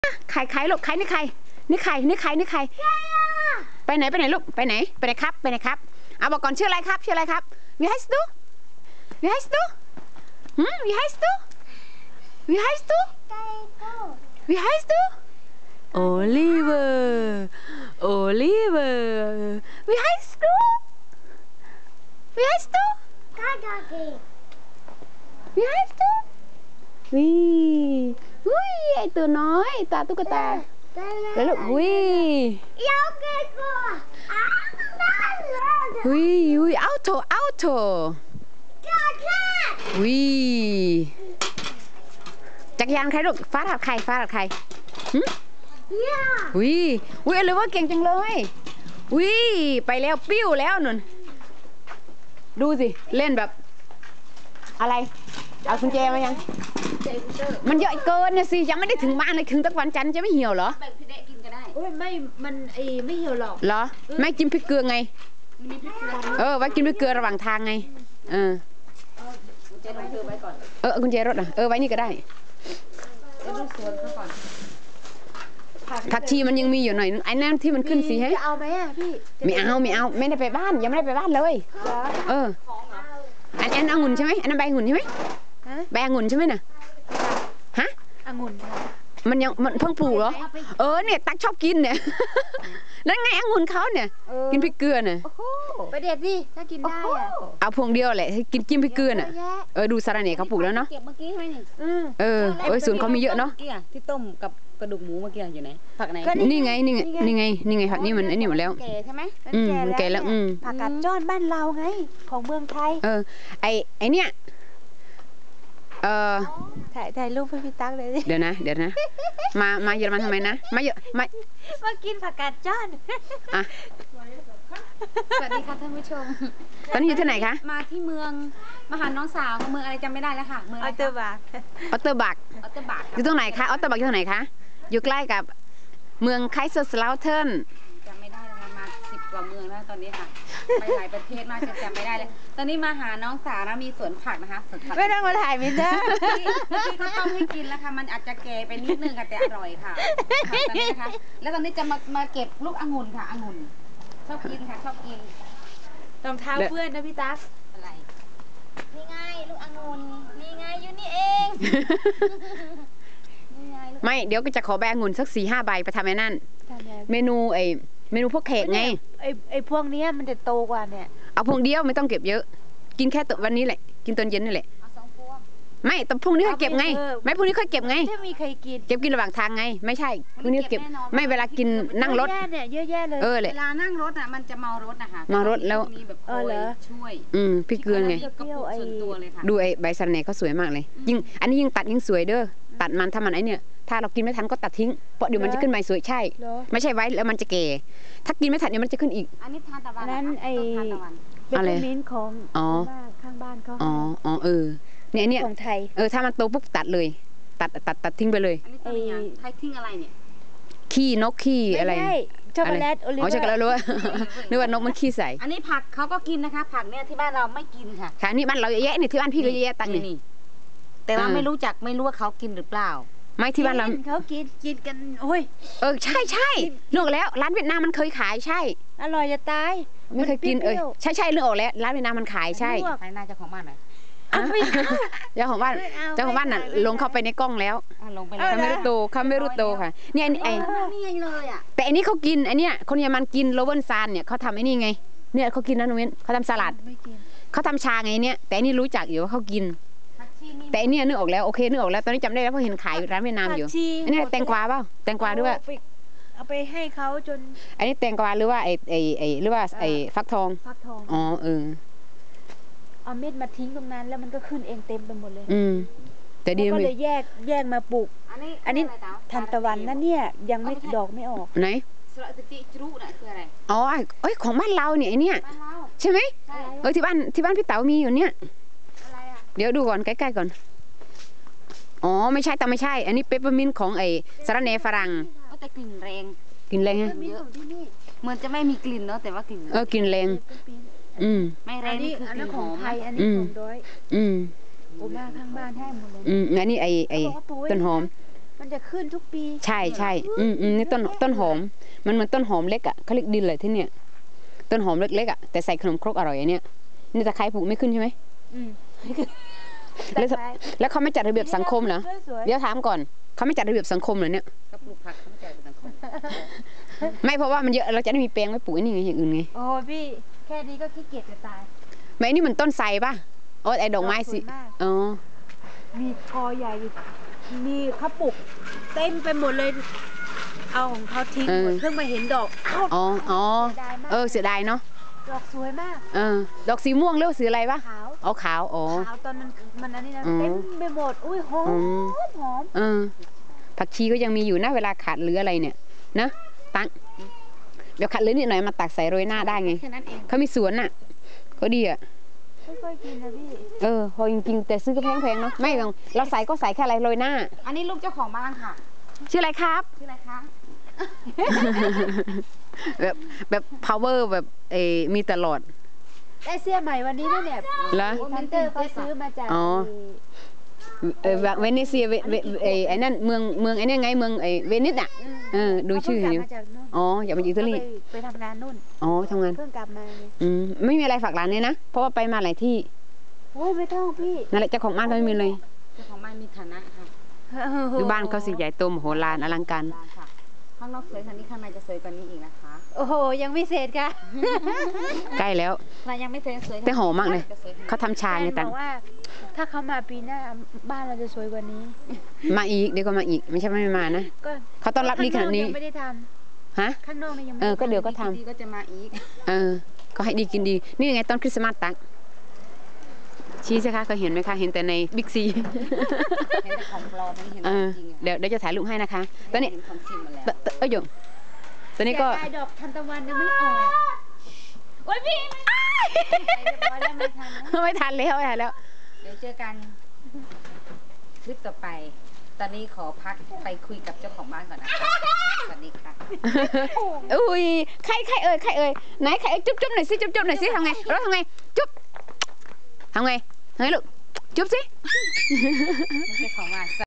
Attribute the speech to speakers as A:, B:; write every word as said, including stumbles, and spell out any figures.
A: ใครใครลูกใครนี่ใครนี่ใครนี่ใครนี่ใครไปไหนไปไหนลูกไปไหนไปไหนครับไปไหนครับเอาบอกก่อนชื่ออะไรครับชื่ออะไรครับวิไฮสตูวิไฮสตูหืมวิไฮสตูวิไฮสตูวิไฮสตูโอลิเวอร์โอลิเวอร์วิไฮสตูวิไฮสตูวิไฮสตูวิอุ้ยไอตัวน้อยตาตุ๊กตาแล้วลูกวิวิวิอัลโตอัลโตวิจักรยานใครลูกฟ้าถัดใครฟ้าถัดใครวิวิอะไรวะเก่งจังเลยวิไปแล้วปิ้วแล้วนุ่นดูสิเล่นแบบอะไรเอากุญแจมายังมันเยอะเกินนะสิยังไม่ได้ถึงบ้านเลยถึงตะวันจันทร์จะไม่เหี่ยวเหรอ
B: แบ่งพี่เด็กกินก็ได้โอ้ยไม่มันไอไม่เหี่ยวหรอก
A: เหรอไม่กินพริกเกลือไงเออไว้กินพริกเกลือระหว่างทางไงเออกุญแจรถไว้ก่อนเออกุญแจรถอ่ะเออไว้นี่ก็ได้ดูสวนเขาก่อนผักชีมันยังมีอยู่หน่อยไอ้นั่นที่มันขึ้นสีให้
B: เอาไหมอ่ะพี่
A: ไม่เอาไม่เอาไม่ได้ไปบ้านยังไม่ได้ไปบ้านเลยเอออันอันองุ่นใช่ไหมอันนั้นใบองุ่นใช่ไหมใบองุ่นใช่ไหมน่ะฮะ
B: องุ่น
A: มันยังมันเพิ่งปลูกเหรอเออเนี่ยตักชอบกินเนี่ยนั่นไงองุ่นเขาเนี่ยกินพริกเกลือเนี่ย
B: ไปเด็ดดิถ้ากินได้อะ
A: เอาพวงเดียวแหละกินกินพริกเกลือน่ะเออดูสาระเน่เขาปลูกแล้วเนาะ
B: เก็บเมื่อกี้ใช่ไหมนี่
A: เออเออส่วนเขามีเยอะเนาะ
B: ที่ต้มกับกระดูกหมูเมื่อกี้อยู่ไหนผักไหน
A: นี่ไงนี่ไงนี่ไงนี่ไงผักนี่มันไอ้นี่หมดแล้ว
B: แก่ใช่ไหม
A: อืมแก่แล้วอืม
B: ผักกาดจ้อนบ้านเราไงของเมืองไทย
A: เออไอไอเนี่ยเออ
B: ถ่ายถ่ายรูปให้พี่ตั๊กเลย
A: เดี๋ยวนะเดี๋ยวนะมามาเยอรมันทำไมนะมาเยอะมา
B: มากินผักกาดจ้อน
A: อ่ะ
B: สวัสดีค่ะท่านผู้ชม
A: ตอนนี้อยู่ที่ไหนคะ
B: มาที่เมืองมาหาน้องสาวเมืองอะไรจำไม่ได้แล้วค่ะเมืองออตเตอร์บัก
A: ออตเตอร์บัก
B: ออตเตอร์บัก
A: อยู่ตรงไหนคะออตเตอร์บักอยู่ตรงไหนคะอยู่ใกล้กับเมืองไคเซอร์สลาวเทิร์น
B: จำไม่ได้แล้วมาสิบกว่าเมืองแล้วตอนนี้ค่ะไปหลายประเทศมากจะจำไม่ได้เลยตอนนี้มาหาน้องสาวนะมีสวนผักนะคะสวนผัก
A: ไม่ต้องมาถ่ายมิเตอร์
B: เมื่อกี้เขาต้มให้กินแล้วค่ะมันอาจจะแก่ไปนิดนึงค่ะแต่อร่อยค่ะตอนนี้นะคะแล้วตอนนี้จะมามาเก็บลูกองุ่นค่ะองุ่นชอบกินค่ะชอบกินรองเท้าเพื่อนนะพี่ตั๊กอะไรนี่ไงลูกองุ่นนี่ไงอยู่นี่เอง
A: ไม่เดี๋ยวก็จะขอใบองุ่นสักสี่ห้าใบไปทำไอ้นั่นเมนูไอเมนูพวกเค้กไง
B: ไอไอพวกนี้มันจะโตกว่าเนี่ย
A: เอาพวงเดียวไม่ต้องเก็บเยอะกินแค่ตัววันนี้แหละกินตอนเย็นนี่แหละไม่แต่พรุ่งนี้ค่อยเก็บไงไม่พรุ่งนี้ค่อยเก็บไง
B: ถ้ามีใครกิน
A: เก็บกินระหว่างทางไงไม่ใช่พรุ่งนี้เก็บไม่เวลากินนั่งรถ
B: เนี่ยเยอะแยะเลย
A: เออเลย
B: เวลานั่งรถอ่ะมันจะเมารถนะคะ
A: เมารถแล้ว
B: เออเหรอช่วย
A: อืมพี่เกลือไงดูไอ้ใบสะระแหน่เขาสวยมากเลยยิ่งอันนี้ยิ่งตัดยิ่งสวยเด้อตัดมันถ้ามันไอเนี่ยถ้าเรากินไม่ทันก็ตัดทิ้งเพราะเดี๋ยวมันจะขึ้นใหม่สวยใช่ไม่ใช่ไว้แล้วมันจะแก่ถ้ากินไม่ทันเดี๋ยวมันจะขึ้นอีก
B: อันนี้ทานตะวัน
A: นั้น
B: ไอ้
A: อะไร
B: มิ้นของข้างบ้านเขา
A: อ๋ออ๋อเออเนี่ยเนี่ย
B: ของไทย
A: เออถ้ามันโตปุ๊บตัดเลยตัดตัดตัดทิ้งไปเลย
B: อันนี้ตัวอย่างไทยทิ้งอะไรเนี่ย
A: ขี้นกขี้อะไร
B: ช็อกโกแลตโอลิเวอร์
A: อ๋อช็อกโกแลตรู้ว่านึกว่านกมันขี้ใส่
B: อันนี้ผักเขาก็กินนะคะผักเนี่ยที่บ้านเราไม่กินค่ะ
A: ค่ะนี่บ้านเราเยอะแยะนี่ที่บ้านพี่ก็เยอะแยะตังนี่
B: แต่ว่าไม่รู้จักไม่รู้ว่าเขากินหรือเปล่า
A: ไม่ที่บ้านเรา
B: เขากินกินกันโอ้ย
A: เออใช่ใช่นึกแล้วร้านเวียดนามมันเคยขายใช่
B: อร่อยจะตาย
A: ไม่เคยกินเออใช่ใช่นึกออกแล้วร้านเวียดนามมันขายใช่
B: ใครน่าจะของบ้านไหน
A: เจ้าของบ้านเจ้าของบ้านน่ะลงเข้าไปในกล้องแล้วเขาไม่รู้โตเขาไม่รู้โตค่ะเนี่ยไอ้แต่อันนี้เขากินไอ้นี่คนเยอรมันกินโรเบิร์ตซานเนี่ยเขาทำไอ้นี่ไงเนี่ยเขากินนะนุ้นเขาทำสลัดเขาทำชาไงเนี่ยแต่อันนี้รู้จักอยู่ว่าเขากินแต่อันนี้นึกออกแล้วโอเคนึกออกแล้วตอนนี้จำได้แล้วเพราะเห็นขายอยู่ร้านเวียดนามอยู่อันนี้แตงกวาเปล่าแตงกวาด้วย
B: เอาไปให้เขาจน
A: อันนี้แตงกวาหรือว่าไอ้ไอ้ไอ้หรือว่าไอ้ฟักทอง
B: ฟักทอง
A: อ๋อเออ
B: เอาเม็ดมาทิ้งตรงนั้นแล้วมันก็ขึ้นเองเต็มไปหมดเลย
A: อืมแต่ดี
B: ก็เลยแยกแยกมาปลูกอันนี้ทันตะวันนั่นเนี่ยยังไม่ดอกไม่ออก
A: ไหน
B: สระติจุรุน่ะคืออะไร
A: อ๋อเอ้ยของบ้านเราเนี่ยไอเนี่ยใช่ไหมเออที่บ้านที่บ้านพี่เต๋ามีอยู่เนี่ยเดี๋ยวดูก่อนใกล้ๆก่อนอ๋อไม่ใช่แต่ไม่ใช่อันนี้เปปเปอร์มินต์ของไอ้สาระแหน่ฝรั่ง
B: แต่กลิ่นแรง
A: กลิ่นแรงฮะ
B: เหมือนจะไม่มีกลิ่นเนาะแต่ว่ากลิ่น
A: เออกลิ่นแรงอืม
B: ไม่แรงนี่คือกลิ่นหอม
A: ไท
B: ยอันนี้ของด้อย
A: อืม
B: โอ้มาข้างบ้านให้หมดเลย
A: อืมอันนี้ไอ้ไอ้ต้นหอม
B: มันจะขึ้นทุกปี
A: ใช่ใช่อืมอืมนี่ต้นต้นหอมมันเหมือนต้นหอมเล็กอ่ะเขาเรียกดินเลยที่เนี่ยต้นหอมเล็กๆอ่ะแต่ใส่ขนมครกอร่อยอันเนี้ยนี่ตะไคร้ปลูกไม่ขึ้นใช่ไหม
B: อืม
A: แล้วแล้วเขาไม่จัดระเบียบสังคมเหรอ
B: สวยๆ
A: เดี๋ยวถามก่อนเขาไม่จัดระเบียบสังคมเหรอเนี่ย
B: ก็ปลูกผักเข้าใจสังคม
A: ไม่เพราะว่ามันเยอะเราจะได้มีแปลงไว้ปลูกไอ้นี่ไงอย่างอื่นไง
B: โอ้พี่แค่นี้ก็ขี้เกียจจะตาย
A: ไม่อันนี่มันต้นไทรป่ะโอ้ไอ้ดอกไม้สิ
B: ดอกสวยมาก
A: อ๋อ
B: มีกอใหญ่อยู่มีเขาปลูกเต็มไปหมดเลย เอาของเขาทิ้งหมดเพิ่งมาเห็นดอกเอ้า
A: อ๋ออ๋อ
B: เสียดายมาก
A: เออเสียดายเนาะ
B: ดอกสวยมาก
A: เออดอกสีม่วงหรือสีอะไรป่ะ
B: ขาว
A: อ๋อขาวอ๋อ
B: ขาวตอนมันมันอันนี้นะ
A: อืม
B: เต็มไปหมดอุ้ยหอม
A: อืม
B: หอม
A: เออผักชีก็ยังมีอยู่นะเวลาขาดเหลืออะไรเนี่ยนะตังเดี๋ยวขาดเหลือนิดหน่อยมาตักใส่โรยหน้าได้ไง
B: แค่นั้นเอง
A: เขามีสวนน่ะก็ดีอ่ะ
B: ไม่ค่อยกินนะพี่
A: เออพอจริงๆแต่ซื้อก็แพงๆเนาะไม่ต้องเราใส่ก็ใส่แค่อะไรโรยหน้า
B: อันนี้ลูกเจ้าของบ้านค่ะ
A: ชื่ออะไรครับ
B: ชื่ออะไรคะ
A: แบบแบบ power แบบเออมีตลอด
B: ได้เสื้อใหม่วันนี้ด้วยเนี่ย
A: เหรอ
B: พันเตอร์เขาซื้อมาจาก
A: อ๋อ เออเวนิเซียเวเวเออไอ้นั่นเมืองเมืองไอ้นี่ไงเมืองไอ้เวนิสอ่ะ เออดูชื่อ
B: เขา
A: อยู่
B: เพิ่งกลับมาจากนู่น
A: อ๋ออยากมาจากอิตาลี
B: เขาไปไปทำงานนู่น
A: อ๋อทำงาน
B: เพิ่งกลับมาเนี่ย
A: อืมไม่มีอะไรฝากหลานเลยนะเพราะว่าไปมาหลายที่
B: โอ้ยไม่ต้องพี่
A: นั่นแหละเจ้าของบ้านก็ไม่มีเลย
B: เจ้าของบ้านมีฐานะค่ะ
A: คือบ้านเขาสิใหญ่โตมโหฬารอลังการ
B: ร้านค่ะข้างนอกสวยค่ะนี่ข้างในจะสวยกว่านี้อีกนะคะ โอ้โหยังไม่เสร็จค่ะ
A: ใกล้แล้ว
B: เรายังไม่เสร็จสวย
A: แต่หอมมากเลย
B: จะสวยค่ะ
A: เขาทำชาไง
B: แฟน
A: ตั
B: บ
A: ง
B: อกว่า ถ้าเขามาปีหน้าบ้านเราจะสวยกว่านี้
A: มาอีกเดี๋ยวก็มาอีกไม่ใช่ไม่มานะ
B: ก็
A: เขาต้อนรับดีขนาดนี้
B: ข้งอกยังไม่ได้ท
A: ฮะ
B: ำข้างนอกนี่ยังไม่
A: เออ
B: ได้
A: ก็เดี๋ยวก็ทำ
B: ดีก็จะมาอีก
A: เออก็ให้ดีกินดี นี่ยังไงต้นคริสต์มาสตังชี้สิคะเคยเห็นไหมคะเห็นแต่ในบิ๊กซี
B: เห็นแต่ของปลอมไม่เห็น
A: เอ
B: ขอ
A: อง
B: จริงอะ
A: เดี๋ยวเดี๋ยวจะถ่ายรูปให้นะคะตอนนี้
B: เห็ของจริงหมดแล้ว
A: ตตเอ้ยโยมตอนนี้ก็
B: เสียดายดอกทันตะวันยังไม่ออกโอ้ยพี่ไม่ได้เรียบร้อยแล้วไม่ทันนะ
A: ไม่ทันแล้วไม่ทันแล้ว
B: เดี๋ยวเจอกันคลิปต่อไป ตอนนี้ขอพักไปคุยกับเจ้าของบ้านก่อนนะคะสวัสดีค่ะ
A: อุ้ยใครใครเอ่ยใครเอ่ยไหนใครเอ่ยจุ๊บจุ๊บหน่อยสิจุ๊บจุ๊บหน่อยสิทำไงเราทำไงจุ๊บทำไงทำไงลูกจุ๊บสิ
B: เจ้าของบ้าน